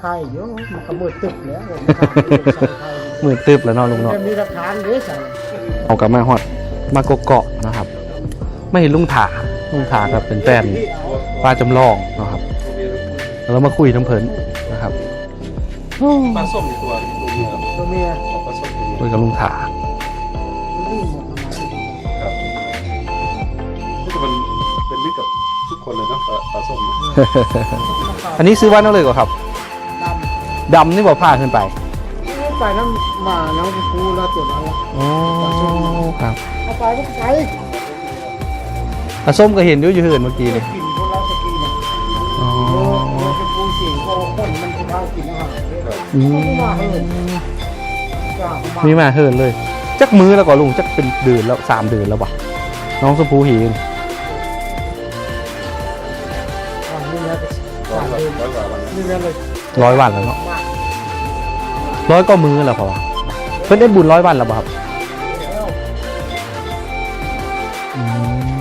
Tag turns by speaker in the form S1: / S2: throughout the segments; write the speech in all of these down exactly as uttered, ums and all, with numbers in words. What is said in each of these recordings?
S1: ไข่เยอะมันก็มืดตึบแล้ว
S2: มือตึบแล้วเนาะลุงเนาะ
S1: มีหลักฐานเด้อใส่
S2: เอากลับมาฮอดมาเกาะๆนะครับ ไม่เห็นลุงถาลุงถาครับเป็นแฟนป้าจำลองนะครับแล้วมาคุยน้ำเพลินนะครับ
S3: ปลาส้มอีกตัวตัวเมีย
S1: ตัวเมีย
S3: ปลาส้มตัวเมีย
S2: คุยกับลุงถา
S1: นี่หมดทำไม
S3: ครับที่มันเป็นมิตรกับทุกคนเลยเนาะปลาปลาส้มนะ
S2: อันนี้ซื้อบ้านเอาเลยก่อนครับ
S1: ด
S2: ดำนี่บอกผ้าขึ้นไป
S1: ำไปน้ำมาน้ำปูแล้วเจ็บแล้ว
S2: โอ้ครับ
S1: เอาไปก็ไป
S2: ปลาส้มก็เห็นอยู่อยู่เหินเมื่อกี้เลย
S1: กินพวกเราจะกินเนี่ย
S2: อ๋อ
S1: โอ้เป็นปูสิงโอ้คนมันจะทำกินอาหารเลย
S2: อืม
S1: มาเหินจ้า
S2: มีมาเหินเลย จักมือแล้วก็ลุงจักเป็นเดือนแล้วสามเดือนแล้ววะน้องสปูเห็น
S1: นี่นะ
S3: ร้อยกว่าร้อยกว่าวัน
S1: นี่นะเลย
S2: ร้อยวันแล้วเนาะร้อยก็มือแล้วพอวะเพิ่นได้บุญร้อยวันแล้วบ่ครับอืม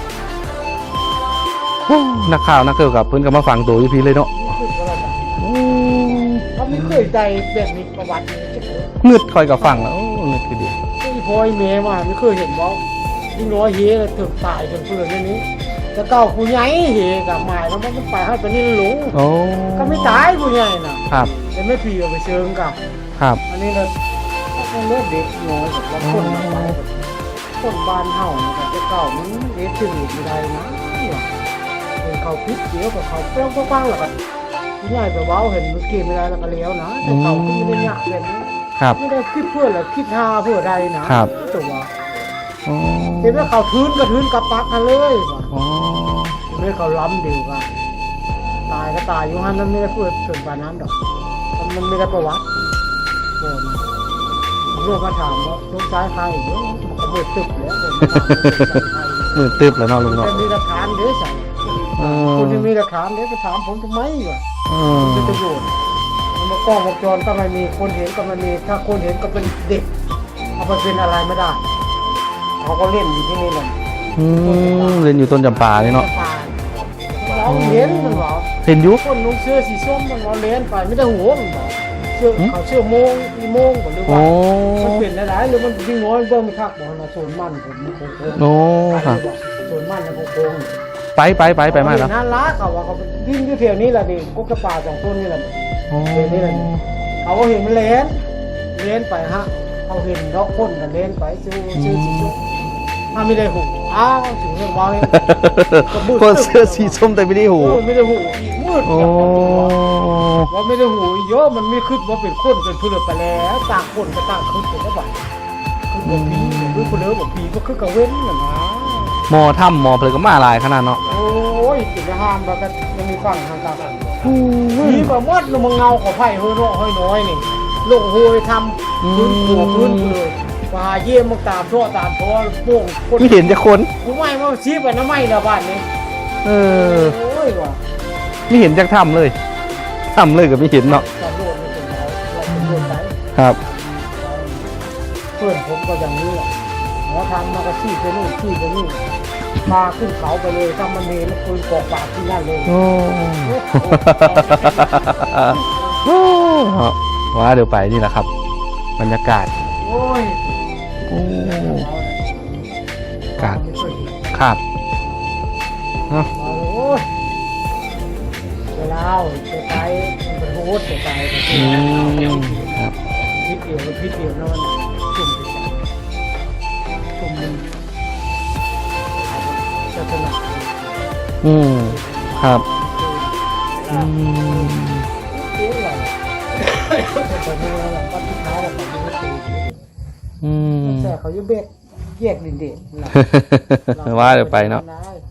S2: โอ้นักข่าวนักเกี่ยวกับเพิ่นก็มาฟังตัวอยู่พี่เลยเนาะอืม
S1: เขาไม่เคยใจแบบนี้ประวัตินี้จะเกิด
S2: เงืดคอยกับฟังแล้วโอ้เงืดคือดี
S1: ที่พอยเมย์มาไม่เคยเห็นว่าที่น้อยเฮถึงตายจนเพื่อนเรื่องนี้จะเก้าผู้ใหญ่เฮกับหมายแล้วมันไปให้ไปนี่หลง
S2: โอ้
S1: ก็ไม่ตายผู้ใหญ่น่ะ
S2: ครับ
S1: แต่ไม่ผีเอาไปเชิงกับ
S2: ครับ
S1: อันนี้เราต้องเลือกเด็กน้อยกับว่าคนมาไปคนบ้านเฮากับจะเก้ามันเด็กถึงไม่ได้นะเป็นเขาพิษเดียวกับเขาเปรี้ยวกว้างๆหรอกผู้ใหญ่ไปว้าเห็นเมื่อกี้ไม่ได้แล้วก็เลี้ยวนะแต่เขาไม่ได้ยากแบบนี้
S2: ครับ
S1: ไม่ได้คิดเพื่อหรือคิดหาเพื่อใดนะครับ ตัว
S2: โอ้
S1: เห็นว่าเขาทื้นก็ทื้นกับปักกันเลยว่ะ
S2: โอ้
S1: เห็นว่าเขาล้ำเดียวกันตายก็ตายอยู่ฮันนั้นไม่ได้เพื่อถึงปานนั้นดอกมันไม่ได้ประวัติโอ้นะโลกมาถามว่าลูกชายใครเดี๋ยวมันก็เบิดตึกแล้วเลยมาถามว่าลูกชายใคร
S2: มือตึบแล้วเนาะลุงเนาะ
S1: แต่มีหลักฐานเด้อใส่
S2: เออ
S1: คุณที่มีหลักฐานเด้อไปถามผมทำไมวะ
S2: เอ
S1: มัน
S2: อ
S1: จะประโยชน์มันมากล้องวงจรก็ไม่มีคนเห็นก็ไม่มีถ้าคนเห็นก็เป็นเด็กเอาไปเป็นอะไรไม่ได้เขาก็เล่นอยู่ที่นี่เลย
S2: อืมเรียนอยู่ต้นจำปาเลยเนาะ
S1: เราเห็นมันบอก
S2: เห็นอยุ
S1: คนนุ่งเสื้อสีส้มมันเราเล่นไปไม่ได้หัวมันบอกเสื้อเขาเสื้อโมงอีโมงบอกหรือ
S2: โอ้
S1: ว่ามันเปลี่ยนหลายๆหรือมันยิ่งน้อยเบิ่งไม่คักบอกมาโซนมันผมมันโค้งๆ
S2: โอ้ครับ
S1: โซนมันนะโค้ง
S2: ไปไปไปไปมาแล้ว
S1: น่ารักเขาว่าเขาดิ้นอยู่แถวนี้แหละดิกุ๊กกระป่าสองต้นนี่แหละ
S2: โอ้
S1: เดี๋ยวนี้แหละ เขาก็เห็นมันเล่นเล่นไปฮะเขาเห็นดอกคนกันเล่นไปซื้อซื้อสีส้มถ้าไม่ได้หูอ้าวถึงเรื่องว่าเลย
S2: คนเสื้อสีส้มแต่ไม่ได้หู
S1: โอ้ไม่ได้หูอีกมืด
S2: โอ้
S1: ว่าไม่ได้หูอีกเยอะมันไม่ขึ้นว่าเป็นคนเป็นผู้เลือกไปแล้วต่างคนก็ต่างขึ้นเป็นแล้วบ่คือบอกผีคือคนเลือกบอกผีก็คือกระเว้นน่ะนะ
S2: หมอถ้ำหมอเพลก็มาหลายขนาดเนาะ
S1: โอ้ยกินห้ามแล้วก็ยังมีฟังทางการผีก็มดลงมาเงาของไผ่เฮ้ยน้อยเฮ้ยน้อยนี่ลงโหยทำพื้นหัวพื้นเลยมาเยี่ยมมาตามทั่วตามทั่วโป่งคน
S2: ไม่เห็นจะคน
S1: กูไม่มาชี้ไปน้ำไม่ละบ้านนี้
S2: เออ
S1: โอ้ยว่ะ
S2: ไม่เห็นจากถ้ำเลยถ้ำเลยก็ไม่เห็นเนาะ
S1: ตำรวจเป็นเราเราเป็นคนไป
S2: ครับ
S1: เพื่อนผมก็อย่างนี้แหละหมอทำมาก็ชี้ไปนู่นชี้ไปนี่มาขึ้นเขาไปเลยถ้ามันมีแล้วปืนกอกปากที่นั่นเลย
S2: โอ้โอ้ว่าเดี๋ยวไปนี่แหละครับ บรรยากาศ
S1: โอ้ย
S2: โอ้ กาด
S1: ไม่เคยเห็น
S2: ครับเนาะ
S1: มาเลยโอ้ยเวลาจะไปมันเป็นโหดจะไป
S2: อืมครับ
S1: พิษเดียวพิษเดียวนะมันจุ่มไปใส่จุ่มมันจะถนัด
S2: อืมครับอืม
S1: เตี้ยอะไรแต่ไม่รู้หรอกว่าที่เท้าเราเขาไม่ตี
S2: อืม
S1: แต่เขาอยู่เบ็ดแยกดินเด็ด
S2: ว่าเดี๋ยวไปเนาะ
S1: ได้